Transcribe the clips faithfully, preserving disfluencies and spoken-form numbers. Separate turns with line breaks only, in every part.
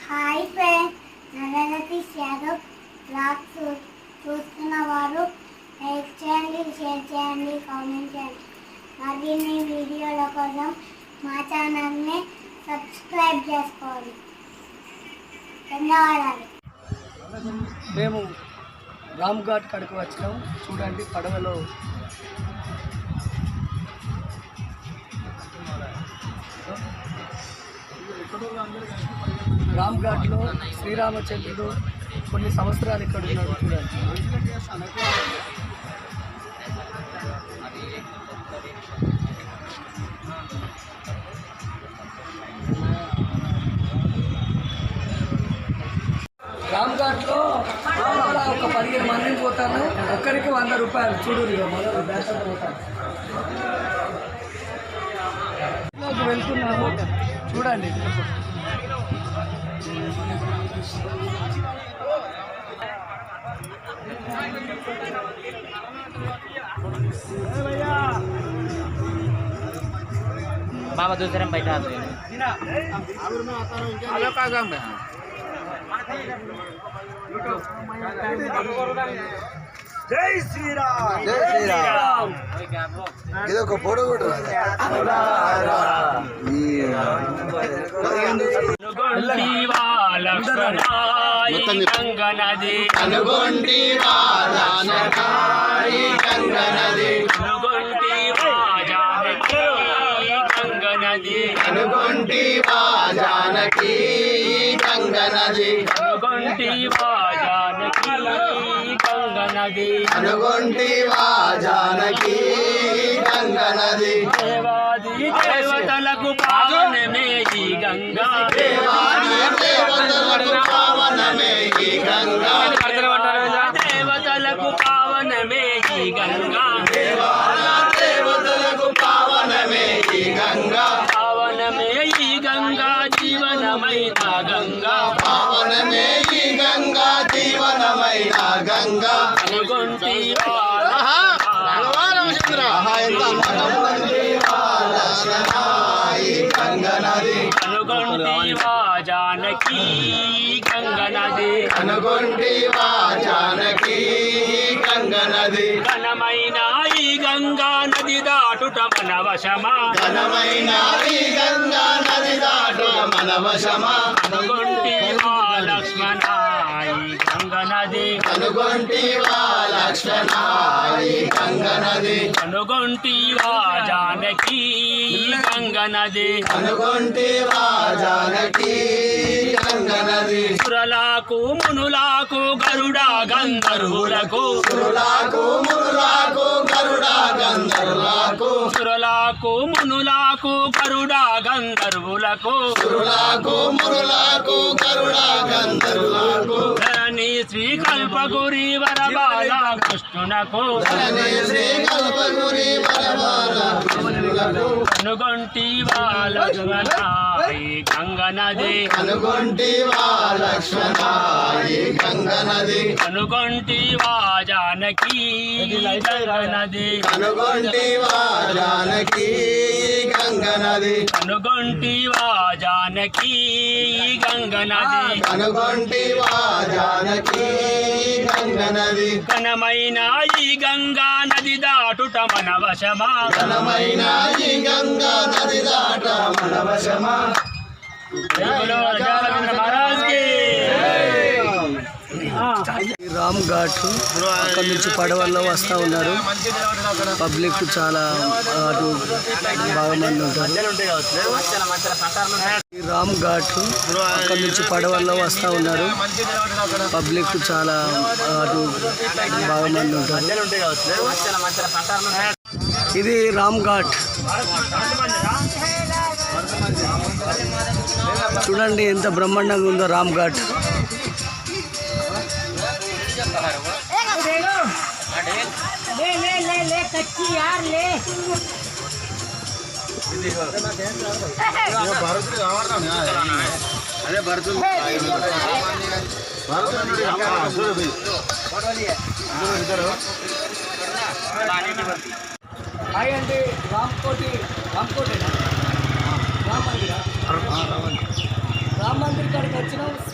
Hi friends, Naranatish Yadav blogs చూస్తున్న వారు like చేయండి, షేర్ చేయండి, కామెంట్ చేయండి. మరిన్ని వీడియోల కోసం మా ఛానల్ని సబ్స్క్రైబ్ చేసుకోండి. ధన్యవాదాలు.
మేము రామ్ ఘాట్ కాడికి వచ్చినాం. చూడండి, పడవలో రామ్ ఘాట్లో శ్రీరామచంద్రుడు కొన్ని సంవత్సరాలు ఇక్కడ ఉన్నాడు. చూడండి, రామ్ ఘాట్లో ఒక పదిహేను మందిని పోతాను. ఒక్కరికి వంద రూపాయలు. చూడు, మొదలు బ్యాటర్ పోతాను. వెళ్తున్నాము, చూడండి.
बाबा दूसरे में बैठा
జై శ్రీరామ్, జై శ్రీరామ్. ఇది ఒక పొడు
గంగనది
అనుగొంటి వానకాయి గంగనది
అనుగొంటి వాజానకి గంగనది
అనుగొంటి వాజానకి గంగనది
అనుగొంటి వాజానకి గంగనది
అనుగొంటి వాజానకి గంగనది
దేవాది దేవతలకు పావనమే ఈ గంగా
దేవాది దేవతలకు పావనమే ఈ గంగా
దేవతలకు పావనమే ఈ గంగా
దేవతలకు పావనమే ఈ గంగా
పావనమే ఈ గంగా జీవనమైన గంగా
పావనమే ఈ గంగా జీవనమైన గంగా
అనుగొంటి
గంగనది
అనుగొంటి వాజానకి గంగనది
అనుగొంటి వాజానకి గంగనది
ఘనమైన ఈ గంగా నది దాటుట మన వశమా
ఘనమైన ఈ గంగా నది దాటు మన వశమా
అనుగొంటి వా లక్ష్మణ ఈ గంగనది
అనుగొంటి వా లక్ష్మణ ఈ గంగనది
అనుగొంటి వా జానకి గంగనది
అనుగొంటి వా జానకి గంగనది
సురలకు మునులకు గరుడ గంధర్వులకు
సురులకు మురులకు గరుడ గంధర్వులకు
సురలకు మునులకు గరుడ గంధర్వులకు
సురులకు మురులకు గరుడ గంధర్వులకు
ధరణి శ్రీ కల్పగురి వరబాల కృష్ణునకు
ధరణి శ్రీ కల్పగురి వరబాల కృష్ణునకు
అనుగొంటి వా లక్ష్మణ ఈ గంగనది
అనుగొంటి వా లక్ష్మణ ఈ గంగనది
అనుగొంటి వా జానకి గంగనది
అనుగొంటి వా జానకి గంగనది
అనుగొంటి వా జానకి గంగనది
అనుగొంటి వా జానకి గంగనది
ఘనమైన ఈ గంగా నది దాటుట మన వశమా
ఘనమైన ఈ గంగా నది దాట మన వశమా
మహారాజ్ కి
రామ్ ఘాట్ అక్కడి నుంచి పడవల్లో వస్తూ ఉన్నారు. పబ్లిక్ చాలా అటు బాగా మంది ఉంటారు. రామ్ ఘాట్ అక్కడి నుంచి పడవల్లో వస్తూ ఉన్నారు. పబ్లిక్ చాలా అటు బాగా మంది ఉంటారు. ఇది రామ్ ఘాట్. చూడండి ఎంత బ్రహ్మాండంగా ఉందో రామ్ ఘాట్.
ले ले ले ले कच्ची यार ले
అదే భరతు
హాయ్ అండి, రామ్కోటి రామ్కోటేనా రామ్ మందిరా రామ్ మందిర్ కాడికి వచ్చినాం.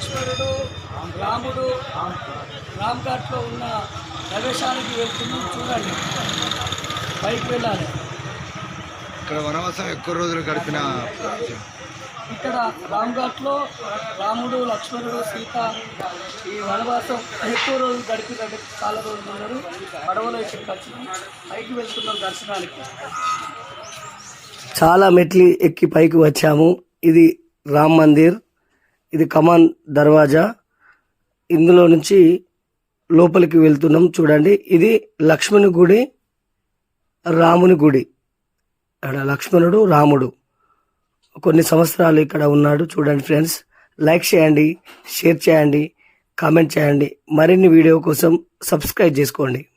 లక్ష్మణుడు రాముడు రామ్ ఘాట్లో ఉన్న ప్రదేశానికి వెళ్తున్నాం. చూడండి, పైకి వెళ్ళాలి.
ఇక్కడ వనవాసం ఎక్కువ రోజులు గడిపిన
ఇక్కడ రామ్ ఘాట్లో రాముడు లక్ష్మణుడు సీత ఈ వనవాసం ఎక్కువ రోజులు గడిపినట్టు చాలా రోజులు ఉన్నారు. పడవలో ఇక్కడికి వచ్చినాం, పైకి వెళ్తున్నాం దర్శనానికి. చాలా మెట్లు ఎక్కి పైకి వచ్చాము. ఇది రామ్ మందిర్, ఇది కమాన్ దర్వాజా. ఇందులో నుంచి లోపలికి వెళ్తున్నాం. చూడండి, ఇది లక్ష్మణుని గుడి, రాముని గుడి. ఇక్కడ లక్ష్మణుడు రాముడు కొన్ని సంవత్సరాలు ఇక్కడ ఉన్నాడు. చూడండి ఫ్రెండ్స్, లైక్ చేయండి, షేర్ చేయండి, కామెంట్ చేయండి. మరిన్ని వీడియో కోసం సబ్స్క్రైబ్ చేసుకోండి.